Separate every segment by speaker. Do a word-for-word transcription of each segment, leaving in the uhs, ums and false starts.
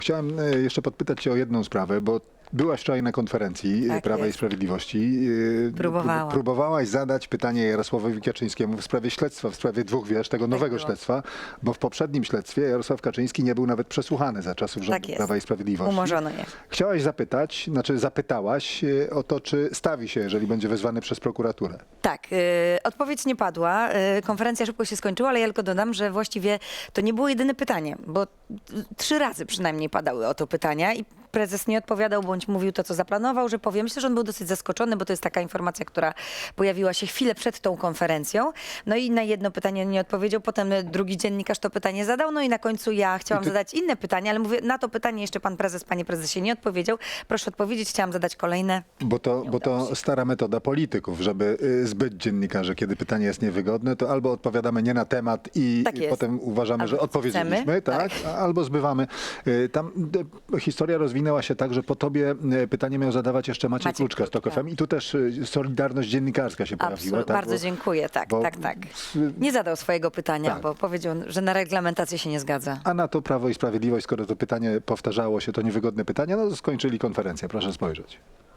Speaker 1: Chciałem e, jeszcze podpytać cię o jedną sprawę, bo byłaś wczoraj na konferencji
Speaker 2: Tak
Speaker 1: Prawa i
Speaker 2: jest.
Speaker 1: Sprawiedliwości. E,
Speaker 2: Próbowałam.
Speaker 1: pró- Próbowałaś zadać pytanie Jarosławowi Kaczyńskiemu w sprawie śledztwa, w sprawie dwóch wież, tego nowego
Speaker 2: było.
Speaker 1: śledztwa, bo w poprzednim śledztwie Jarosław Kaczyński nie był nawet przesłuchany za czasów rządu
Speaker 2: Tak jest.
Speaker 1: Prawa i Sprawiedliwości.
Speaker 2: Umorzono je.
Speaker 1: Chciałaś zapytać, znaczy zapytałaś e, o to, czy stawi się, jeżeli będzie wezwany przez prokuraturę.
Speaker 2: Tak, y, odpowiedź nie padła. Y, konferencja szybko się skończyła, ale ja tylko dodam, że właściwie to nie było jedyne pytanie, bo y, trzy razy przynajmniej padały o to pytania i prezes nie odpowiadał, bądź mówił to, co zaplanował, że powie. Myślę, że on był dosyć zaskoczony, bo to jest taka informacja, która pojawiła się chwilę przed tą konferencją. No i na jedno pytanie nie odpowiedział, potem drugi dziennikarz to pytanie zadał, no i na końcu ja chciałam
Speaker 1: I ty-
Speaker 2: zadać inne pytanie, ale mówię, na to pytanie jeszcze pan prezes, panie prezesie nie odpowiedział. Proszę odpowiedzieć, chciałam zadać kolejne.
Speaker 1: Bo to, bo to stara metoda polityków, żeby y, zbyć dziennikarzy, kiedy pytanie jest niewygodne, to albo odpowiadamy nie na temat i
Speaker 2: Tak jest.
Speaker 1: potem uważamy,
Speaker 2: Albo
Speaker 1: że
Speaker 2: to, co
Speaker 1: odpowiedzieliśmy,
Speaker 2: chcemy.
Speaker 1: tak, a- albo zbywamy. Y, Tam y, historia rozwinęła się tak, że po tobie y, pytanie miał zadawać jeszcze Maciej,
Speaker 2: Maciej
Speaker 1: Kluczka z Tok
Speaker 2: Kluczka.
Speaker 1: F M i tu też y, solidarność dziennikarska się pojawiła.
Speaker 2: Absolutnie.
Speaker 1: tak?
Speaker 2: Bardzo
Speaker 1: Bo-
Speaker 2: dziękuję, tak,
Speaker 1: bo-
Speaker 2: tak, tak. Nie zadał swojego pytania,
Speaker 1: Tak.
Speaker 2: bo powiedział, że na reglamentację się nie zgadza.
Speaker 1: A na to Prawo i Sprawiedliwość, skoro to pytanie powtarzało się, to niewygodne pytanie, no skończyli konferencję, proszę spojrzeć.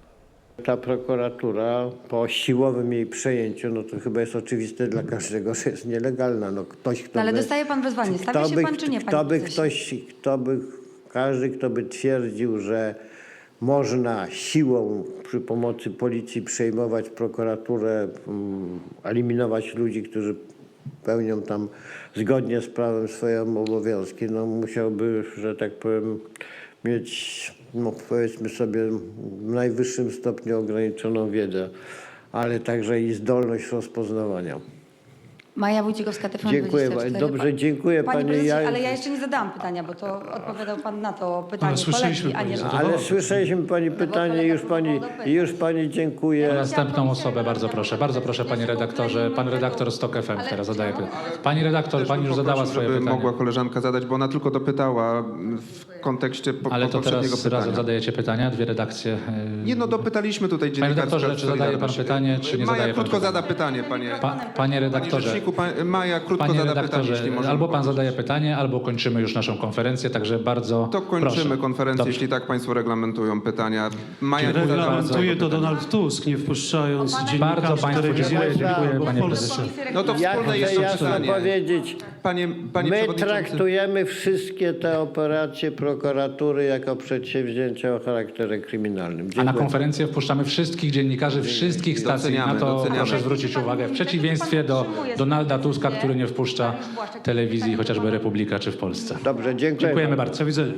Speaker 3: Ta prokuratura po siłowym jej przejęciu, no to chyba jest oczywiste dla każdego, że jest nielegalna. No ktoś, kto
Speaker 4: No ale
Speaker 3: by,
Speaker 4: dostaje pan wezwanie. Stawia
Speaker 3: kto
Speaker 4: się
Speaker 3: by,
Speaker 4: pan czy nie,
Speaker 3: kto
Speaker 4: panie
Speaker 3: by
Speaker 4: prezesie?
Speaker 3: ktoś, kto by, każdy, kto by twierdził, że można siłą przy pomocy policji przejmować prokuraturę, mm, eliminować ludzi, którzy pełnią tam zgodnie z prawem swoje obowiązki, no musiałby, że tak powiem, mieć, no powiedzmy sobie, w najwyższym stopniu ograniczoną wiedzę, ale także i zdolność rozpoznawania.
Speaker 4: Maja Wójcikowska, T V N
Speaker 3: Dziękuję
Speaker 4: dwadzieścia cztery.
Speaker 3: bardzo. Dobrze, dziękuję
Speaker 4: Panie
Speaker 3: panie.
Speaker 4: prezesie,
Speaker 3: Ja-
Speaker 4: ale ja jeszcze nie zadałam pytania, bo to odpowiadał pan na to pytanie
Speaker 5: Ale słyszeliśmy,
Speaker 4: kolegi, a nie...
Speaker 5: pani
Speaker 4: że-
Speaker 3: Ale słyszeliśmy pani pytanie,
Speaker 4: kolega
Speaker 3: już pani,
Speaker 4: próbował dopytać.
Speaker 3: już pani dziękuję.
Speaker 5: Następną osobę, bardzo proszę, bardzo proszę panie redaktorze. Pan redaktor z Tok F M teraz zadaje pytanie. Pani redaktor,
Speaker 6: Też
Speaker 5: pani
Speaker 6: bym
Speaker 5: już zadała
Speaker 6: poprosił,
Speaker 5: swoje
Speaker 6: żeby
Speaker 5: pytanie.
Speaker 6: mogła koleżanka zadać, bo ona tylko dopytała w kontekście po,
Speaker 5: Ale
Speaker 6: po
Speaker 5: to
Speaker 6: poprzedniego
Speaker 5: teraz
Speaker 6: pytania.
Speaker 5: razem zadajecie pytania, dwie redakcje. yy,
Speaker 6: Nie no, dopytaliśmy tutaj
Speaker 5: Panie
Speaker 6: dziennikarza.
Speaker 5: redaktorze, czy zadaje pan pytanie, czy nie
Speaker 6: Maja
Speaker 5: zadaje pan
Speaker 6: krótko
Speaker 5: pytania?
Speaker 6: zada pytanie, panie.
Speaker 5: Pa, panie
Speaker 6: Panie
Speaker 5: redaktorze,
Speaker 6: rzeczniku, pan, Maja krótko
Speaker 5: panie
Speaker 6: zada pytanie, jeśli
Speaker 5: redaktorze,
Speaker 6: możemy
Speaker 5: albo pan
Speaker 6: powiedzieć.
Speaker 5: zadaje pytanie, albo kończymy już naszą konferencję, także bardzo
Speaker 6: To kończymy
Speaker 5: proszę.
Speaker 6: konferencję,
Speaker 5: Dobrze.
Speaker 6: jeśli tak państwo reglamentują pytania. Maja nie zadała
Speaker 7: Reglamentuje
Speaker 6: swojego
Speaker 7: to
Speaker 6: pytania.
Speaker 7: Donald Tusk, nie wpuszczając
Speaker 5: Bardzo
Speaker 7: dziennikarzy
Speaker 5: państwu
Speaker 7: telewizyjnych
Speaker 5: dziękuję, dziękuję
Speaker 7: w
Speaker 5: panie
Speaker 7: Polsce.
Speaker 5: prezesie.
Speaker 6: No to
Speaker 3: Ja
Speaker 6: wspólne
Speaker 3: chcę
Speaker 6: jest to
Speaker 3: jasno
Speaker 6: pytanie.
Speaker 3: powiedzieć,
Speaker 6: Panie, panie
Speaker 3: my
Speaker 6: przewodniczący.
Speaker 3: traktujemy wszystkie te operacje prokuratury jako przedsięwzięcia o charakterze kryminalnym.
Speaker 5: A na
Speaker 3: Dziękuję.
Speaker 5: konferencję wpuszczamy wszystkich dziennikarzy wszystkich stacji.
Speaker 6: Doceniamy,
Speaker 5: Na to
Speaker 6: doceniamy.
Speaker 5: proszę zwrócić uwagę. W przeciwieństwie do Donalda Tuska, który nie wpuszcza telewizji, chociażby Republika czy w Polsce.
Speaker 3: Dobrze, dziękuję.
Speaker 5: Dziękujemy bardzo.
Speaker 7: Do widzenia.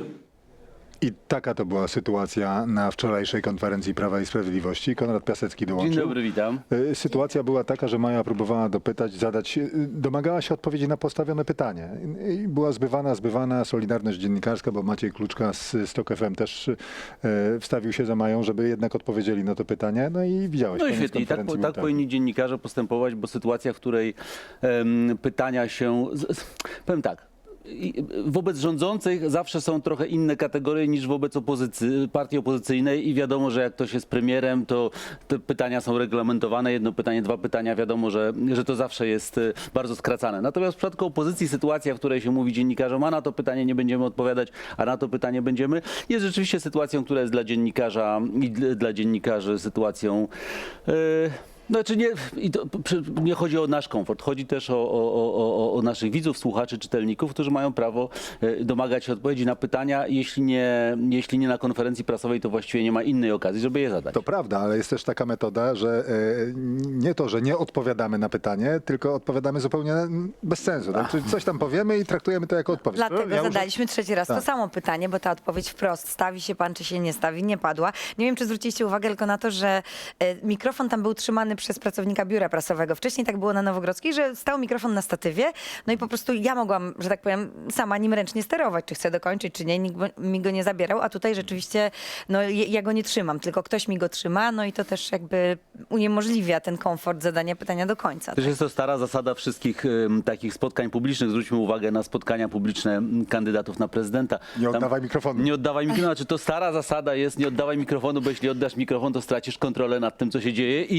Speaker 1: I taka to była sytuacja na wczorajszej konferencji Prawa i Sprawiedliwości. Konrad Piasecki dołączył.
Speaker 8: Dzień dobry, witam.
Speaker 1: Y, Sytuacja była taka, że Maja próbowała dopytać, zadać, y, domagała się odpowiedzi na postawione pytanie. I była zbywana, zbywana solidarność dziennikarska, bo Maciej Kluczka z, z Tok F M też y, wstawił się za Mają, żeby jednak odpowiedzieli na to pytanie. No i widziałeś.
Speaker 8: No i
Speaker 1: koniec
Speaker 8: świetnie. I tak,
Speaker 1: konferencji
Speaker 8: po-
Speaker 1: był
Speaker 8: tak
Speaker 1: taki.
Speaker 8: powinni dziennikarze postępować, bo sytuacja, w której em, pytania się... Z, z, powiem tak. i- Wobec rządzących zawsze są trochę inne kategorie niż wobec opozycji, partii opozycyjnej i wiadomo, że jak ktoś jest premierem, to te pytania są reglamentowane. Jedno pytanie, dwa pytania, wiadomo, że, że to zawsze jest e, bardzo skracane. Natomiast w przypadku opozycji sytuacja, w której się mówi dziennikarzom, a na to pytanie nie będziemy odpowiadać, a na to pytanie będziemy, jest rzeczywiście sytuacją, która jest dla dziennikarza i dla, dla dziennikarzy sytuacją... e, Znaczy nie, i to, przy- nie chodzi o nasz komfort, chodzi też o, o, o, o- o naszych widzów, słuchaczy, czytelników, którzy mają prawo e, domagać się odpowiedzi na pytania. Jeśli nie, jeśli nie na konferencji prasowej, to właściwie nie ma innej okazji, żeby je zadać.
Speaker 1: To prawda, ale jest też taka metoda, że e, nie to, że nie odpowiadamy na pytanie, tylko odpowiadamy zupełnie bez sensu. Tak? Czyli coś tam powiemy i traktujemy to jako odpowiedź.
Speaker 2: Dlatego
Speaker 1: Ja już-
Speaker 2: zadaliśmy trzeci raz
Speaker 1: Tak.
Speaker 2: to samo pytanie, bo ta odpowiedź wprost, stawi się pan, czy się nie stawi, nie padła. Nie wiem, czy zwróciliście uwagę tylko na to, że e, mikrofon tam był trzymany przez pracownika biura prasowego. Wcześniej tak było na Nowogrodzkiej, że stał mikrofon na statywie, no i po prostu ja mogłam, że tak powiem, sama nim ręcznie sterować, czy chcę dokończyć, czy nie, nikt go- mi go nie zabierał, a tutaj rzeczywiście, no je- ja go nie trzymam, tylko ktoś mi go trzyma, no i to też jakby uniemożliwia ten komfort zadania pytania do końca.
Speaker 8: Też jest to stara zasada wszystkich em, takich spotkań publicznych. Zwróćmy uwagę na spotkania publiczne m, kandydatów na prezydenta.
Speaker 1: Nie oddawaj mikrofonu.
Speaker 8: Nie oddawaj mikrofonu. Znaczy to stara zasada jest, nie oddawaj mikrofonu, bo jeśli oddasz mikrofon, to stracisz kontrolę nad tym, co się dzieje i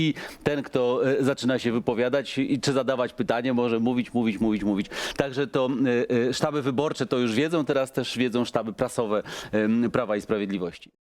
Speaker 8: ten, kto e, zaczyna się wypowiadać i czy zadawać pytanie, może mówić, mówić, mówić, mówić. Także to e, e, sztaby wyborcze to już wiedzą, teraz też wiedzą sztaby prasowe e, Prawa i Sprawiedliwości.